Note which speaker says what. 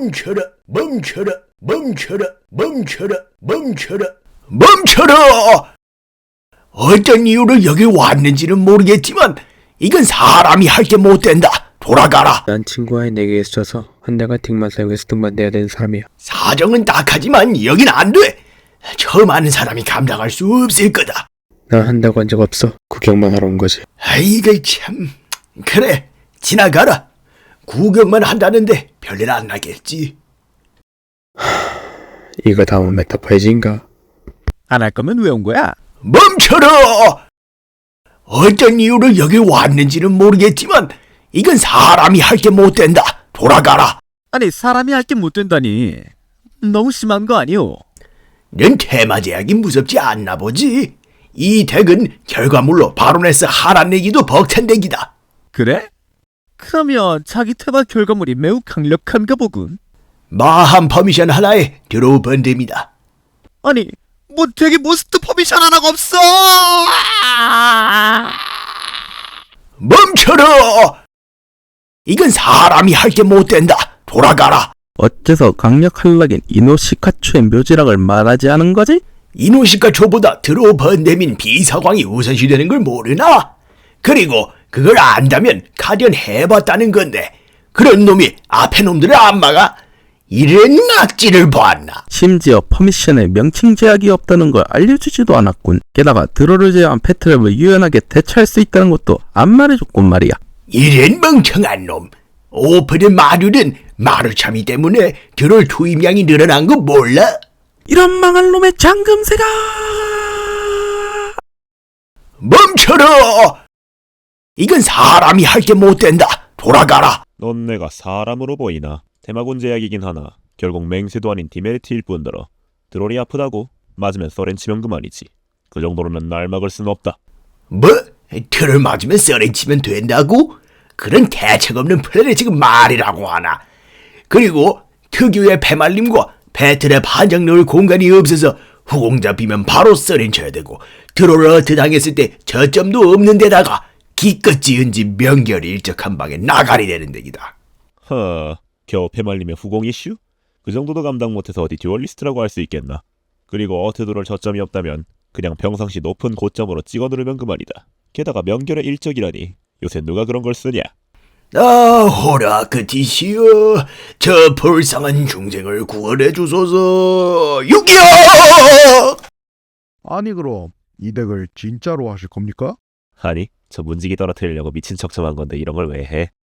Speaker 1: 멈춰라, 멈춰라, 멈춰라, 멈춰라, 멈춰라, 멈춰라! 어떤 이유로 여기 왔는지는 모르겠지만 이건 사람이 할 게 못 된다. 돌아가라.
Speaker 2: 난 친구와의 내기에서 져서 한 달간 틱만 사용해서 등반돼야 되는 사람이야.
Speaker 1: 사정은 딱하지만 여긴 안 돼. 처음 아는 사람이 감당할 수 없을 거다.
Speaker 2: 난 한다고 한 적 없어. 구경만 하러 온 거지.
Speaker 1: 아이고 참. 그래, 지나가라. 구경만 한다는데 별일 안 나겠지.
Speaker 2: 이거 다음은 메타포해지인가?
Speaker 3: 안 할 거면 왜 온 거야?
Speaker 1: 멈춰라! 어떤 이유로 여기 왔는지는 모르겠지만 이건 사람이 할 게 못 된다. 돌아가라.
Speaker 3: 아니 사람이 할 게 못 된다니 너무 심한 거 아니오?
Speaker 1: 넌 테마 제약이 무섭지 않나 보지? 이 덱은 결과물로 바로네스 하란 내기도 벅찬 덱이다.
Speaker 3: 그래? 그러면 자기 테마 결과물이 매우 강력한가 보군.
Speaker 1: 마한 퍼미션 하나에 드로우 번듭니다.
Speaker 3: 아니 뭐 되게 모스트 퍼미션 하나가 없어.
Speaker 1: 멈춰라! 이건 사람이 할 게 못 된다. 돌아가라.
Speaker 4: 어째서 강력 한락인 이노시카초의 묘지락을 말하지 않은 거지?
Speaker 1: 이노시카 초보다 드로우 번데민 비사광이 우선시되는 걸 모르나? 그리고 그걸 안다면 가련 해봤다는 건데 그런 놈이 앞에 놈들을 안 막아? 이런 낙지를 봤나?
Speaker 4: 심지어 퍼미션에 명칭 제약이 없다는 걸 알려주지도 않았군. 게다가 드로를 제외한 패트랩을 유연하게 대처할 수 있다는 것도 안 말해줬군 말이야.
Speaker 1: 이런 멍청한 놈. 오픈된 마류는 마루참이 때문에 드롤 투입량이 늘어난 거 몰라?
Speaker 4: 이런 망할 놈의 잠금새가!
Speaker 1: 멈춰라! 이건 사람이 할 게 못 된다. 돌아가라.
Speaker 5: 넌 내가 사람으로 보이나? 테마군 제약이긴 하나 결국 맹세도 아닌 디메리트일 뿐더러 드롤이 아프다고 맞으면 썰엔 치면 그만이지. 그 정도로는 날 막을 순 없다.
Speaker 1: 뭐? 틀을 맞으면 썰에 치면 된다고? 그런 대책 없는 플랜을 지금 말이라고 하나? 그리고 특유의 패말림과 배틀에 반장 넣을 공간이 없어서 후공 잡히면 바로 썰인 쳐야 되고 드롤을 어트 당했을 때 저점도 없는 데다가 기껏 지은 지 명결 일적 한 방에 나가리 되는 덱이다.
Speaker 5: 겨우 패말림의 후공 이슈? 그 정도도 감당 못해서 어디 듀얼리스트라고 할 수 있겠나. 그리고 어트드롤 저점이 없다면 그냥 평상시 높은 고점으로 찍어 누르면 그만이다. 게다가 명결의 일적이라니 요새 누가 그런 걸 쓰냐.
Speaker 1: 호라크티시여, 저 불쌍한 중생을 구원해 주소서. 유기여!
Speaker 6: 아니 그럼 이 덱을 진짜로 하실 겁니까?
Speaker 5: 아니 저 문지기 떨어뜨리려고 미친 척 좀 한 건데 이런 걸 왜 해?